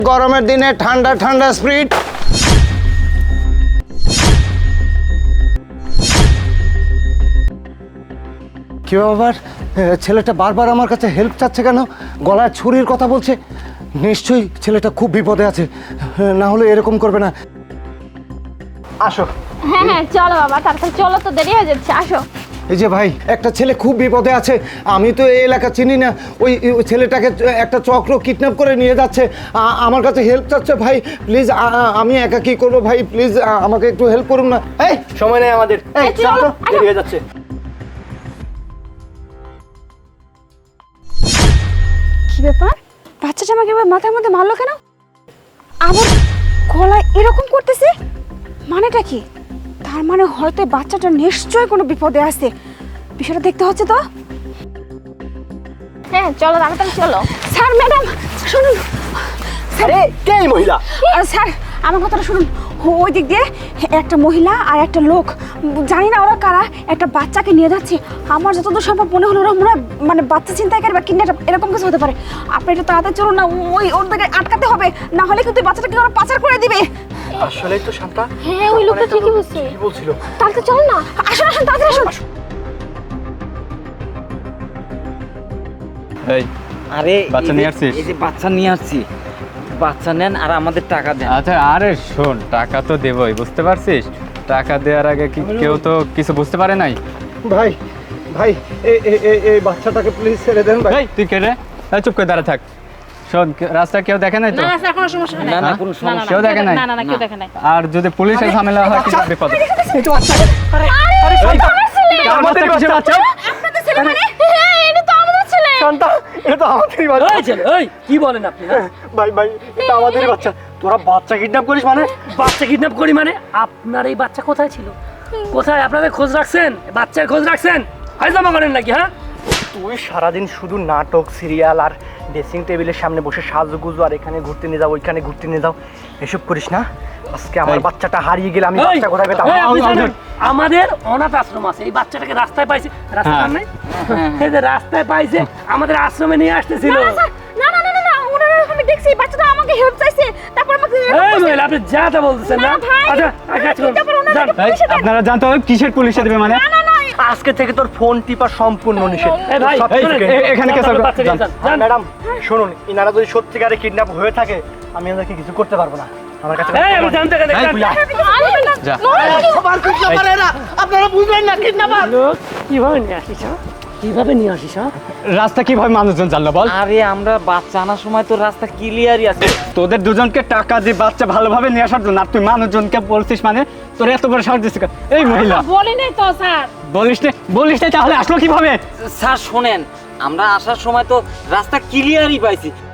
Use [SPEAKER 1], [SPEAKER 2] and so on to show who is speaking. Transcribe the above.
[SPEAKER 1] গরমের দিনে ঠান্ডা ঠান্ডা স্প্রিট। কি ব্যাপার, ছেলেটা বারবার আমার কাছে হেল্প চাচ্ছে কেন? গলায় ছুরির কথা বলছে। নিশ্চয়ই ছেলেটা খুব বিপদে আছে, না হলে এরকম করবে না। আসো।
[SPEAKER 2] হ্যাঁ হ্যাঁ চলো বাবা, তাড়াতাড়ি চলো, তো দেরি হয়ে যাচ্ছে, আসো।
[SPEAKER 1] এই যে ভাই, একটা ছেলে খুব বিপদে আছে, আমি তো এই এলাকা চিনি না। ওই ছেলেটাকে একটা চক্র কিডন্যাপ করে নিয়ে যাচ্ছে, আমার কাছে হেল্প চাচ্ছে। ভাই প্লিজ, আমি একা কি করবো ভাই, প্লিজ আমাকে একটু হেল্প করুন না।
[SPEAKER 3] এই সময় নেই আমাদের, এই চলো, দেরি হয়ে যাচ্ছে।
[SPEAKER 2] কি ব্যাপার, বাচ্চাটা আমাকে এবার মাথার মধ্যে মারলো কেন? আবার গলায় এরকম করতেছে, মানেটা কি? তার মানে হয়তো বাচ্চাটা নিশ্চয়ই কোনো বিপদে আছে, বিষয়টা দেখতে হচ্ছে তো। হ্যাঁ চলো, তাড়াতাড়ি চলো। স্যার ম্যাডাম শুনুন।
[SPEAKER 3] আরে কে এই মহিলা?
[SPEAKER 2] স্যার আমার কথাটা শুনুন, ওই দিক দিয়ে একটা মহিলা আর একটা লোক, জানি না ওরা কারা, একটা বাচ্চাকে নিয়ে যাচ্ছে। আমার যতদূর সম্ভব মনে হলো ওরা মনে হয় মানে বাচ্চা ছিনতাইকারী বা কিডন্যাপ এরকম কিছু হতে পারে। আপনি একটু তাড়াতাড়ি চলুন না, ওদেরকে আটকাতে হবে, না হলে কিন্তু বাচ্চাটাকে ওরা পাচার করে দিবে।
[SPEAKER 3] আসলেই তো শান্তা।
[SPEAKER 2] হ্যাঁ ওই লোকটা ঠিকই বলছে।
[SPEAKER 3] কি বলছিল?
[SPEAKER 2] তাড়াতাড়ি চল না, আসুন আসুন তাড়াতাড়ি আসুন।
[SPEAKER 4] এই
[SPEAKER 5] আরে
[SPEAKER 4] বাচ্চা নিয়ে আসছিস?
[SPEAKER 5] এই যে বাচ্চা নিয়ে আসছি, বাচ্চা নেন আর আমাদের টাকা দেন।
[SPEAKER 4] আচ্ছা আরে শোন, টাকা তো দেবই, বুঝতে পারছিস? টাকা দেওয়ার আগে কি কেউ তো কিছু বুঝতে পারে নাই?
[SPEAKER 1] ভাই ভাই, এই বাচ্চাটাকে প্লিজ ছেড়ে দেন ভাই।
[SPEAKER 4] এই তুই কে রে? এই চুপ করে দাঁড়া থাক। শোন, রাস্তা কেউ দেখে নাই তো?
[SPEAKER 5] না না কোনো সমস্যা
[SPEAKER 4] কেউ দেখে নাই?
[SPEAKER 2] না কেউ দেখে নাই।
[SPEAKER 4] আর যদি পুলিশের ঝামেলা হয় কি বিপদ?
[SPEAKER 3] এই তো বাচ্চা। আরে
[SPEAKER 2] আরে
[SPEAKER 3] শান্তা,
[SPEAKER 4] আমাদের কিসের বাচ্চা?
[SPEAKER 2] আপনাদের ছেলে মানে? হ্যাঁ এটা তো আমাদের ছেলে।
[SPEAKER 3] শান্তা, এটা তো আমাদেরই বাচ্চা।
[SPEAKER 5] এই ছেলে, এই কি বলেন আপনি? হ্যাঁ?
[SPEAKER 3] ভাই ভাই, এটা আমাদেরই বাচ্চা। তোরা বাচ্চা কিডন্যাপ করিস মানে?
[SPEAKER 6] বাচ্চা কিডন্যাপ করি মানে? আপনার এই বাচ্চা কোথায় ছিল? কোথায় আপনাদের খোঁজ রাখছেন? বাচ্চার খোঁজ রাখছেন? হাইজামা করেন নাকি? হ্যাঁ
[SPEAKER 3] তুই সারাদিন শুধু নাটক, সিরিয়াল আর ড্রেসিং টেবিলের সামনে বসে সাজুগুজু আর এখানে ঘুরতে নিয়ে যাও, ওইখানে ঘুরতে নিয়ে যাও, এসব করিস না। আজকে আমার বাচ্চাটা হারিয়ে গেলে আমি
[SPEAKER 6] এই,
[SPEAKER 3] বাচ্চা কোথায় পেতাম?
[SPEAKER 6] এই, আপনি জানেন, আমাদের অনাথ আশ্রম আছে, এই বাচ্চাটাকে রাস্তায় পাইছে, রাস্তায় নাই, এই যে রাস্তায় পাইছে, আমাদের আশ্রমে নিয়ে আসতেছিল।
[SPEAKER 2] না না না না না, ওনারা আমি দেখছি বাচ্চাটা আমাকে হেল্প চাইছে, তারপর আমাকে
[SPEAKER 6] এই মহিলা, আপনি যা তা বলতেছেন না?
[SPEAKER 2] না ভাই,
[SPEAKER 6] আচ্ছা কাজ করুন, যান।
[SPEAKER 4] এই, আপনারা জানতে হবে কিসের পুলিশে দেবে মানে?
[SPEAKER 3] আজকে থেকে তোর ফোন টিপা সম্পূর্ণ নিষেধ।
[SPEAKER 6] এই ভাই,
[SPEAKER 3] সব
[SPEAKER 4] এই,
[SPEAKER 3] থেকে।
[SPEAKER 4] এখানে কে সরকার?
[SPEAKER 6] বাচ্চা নিয়ে যান, যান।
[SPEAKER 3] ম্যাডাম শুনুন, ইনারা যদি সত্যিকারে কিডন্যাপ হয়ে থাকে আমি ওদেরকে কিছু করতে পারবো না। আমার কাছে
[SPEAKER 6] এই আমি জানতে কেন?
[SPEAKER 4] এই, তুই আয়। যা।
[SPEAKER 3] আপনারা বুঝবেন না কিডন্যাপার।
[SPEAKER 6] লোক কিভাবে নিয়ে আসিস? কিভাবে নিয়ে আসিস?
[SPEAKER 4] রাস্তা কিভাবে মানুষজন জানলো বল?
[SPEAKER 5] আরে আমরা বাচ্চা আনার সময় তো রাস্তা ক্লিয়ারই আছে।
[SPEAKER 4] তোদের দুজনকে টাকা দিয়ে বাচ্চা ভালোভাবে নিয়ে আসার জন্য, আর তুই মানুষজনকে বলছিস মানে? তোর এত বড় সাহস দিচ্ছিস? এই মহিলা
[SPEAKER 2] বলি নাই তো স্যার।
[SPEAKER 4] বলিস না তাহলে আসলো কিভাবে?
[SPEAKER 5] স্যার শোনেন, আমরা আসার সময় তো রাস্তা ক্লিয়ারই পাইছি,